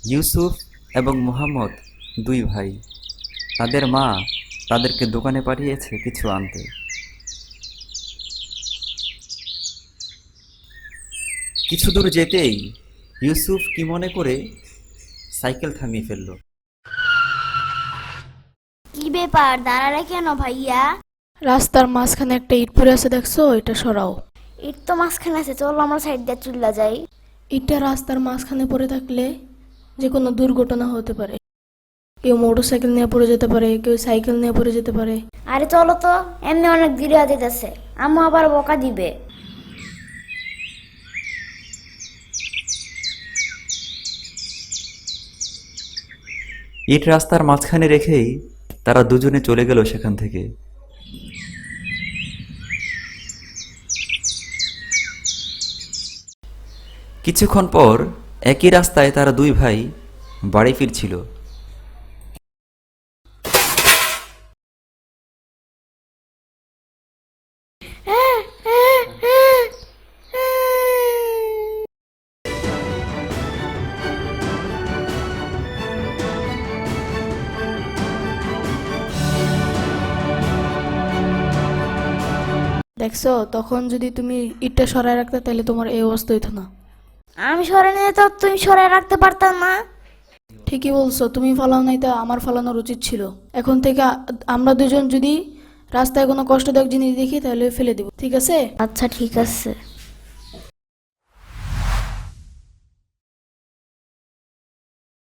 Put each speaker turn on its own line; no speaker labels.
ইউসুফ এবং মুহাম্মদ দুই ভাই। তাদের মা তাদেরকে দোকানে পাঠিয়েছে কিছু আনতে। কিছু দূর যেতেই ইউসুফ কি মনে করে সাইকেল থামিয়ে ফেলল।
কি ব্যাপার, দাঁড়ালে কেন ভাইয়া?
রাস্তার মাঝখানে একটা ইট পড়ে আছে, দেখছো? এটা সরাও।
ইট তো মাঝখানে আছে, চলো আমরা সাইড দিয়ে চুল্লা যাই।
ইটটা রাস্তার মাঝখানে পড়ে থাকলে যে কোনো দুর্ঘটনা হতে পারে। কেউ মোটর সাইকেল নিয়ে পড়ে যেতে পারে, কেউ সাইকেল নিয়ে পড়ে যেতে পারে।
আরে চলো তো, এমনি অনেক দেরি হয়ে যেতেছে, আম্মু আবার বকা দিবে।
ইট রাস্তার মাঝখানে রেখেই তারা দুজনে চলে গেল সেখান থেকে। কিছুক্ষণ পর একই রাস্তায় তারা দুই ভাই বাড়ি ফিরছিল।
দেখছো, তখন যদি তুমি ইটটা সরায় রাখতে তাহলে তোমার এই অবস্থা হইতো না।
আমি সরে নিয়ে তো তুমি সরে রাখতে পারতাম না।
ঠিকই বলছো, তুমি ফালাও নাই, তা আমার ফালানোর উচিত ছিল। এখন থেকে আমরা দুজন যদি রাস্তায় কোনো কষ্টদায়ক জিনিস দেখি তাহলে ফেলে দেব, ঠিক আছে?
আচ্ছা ঠিক আছে।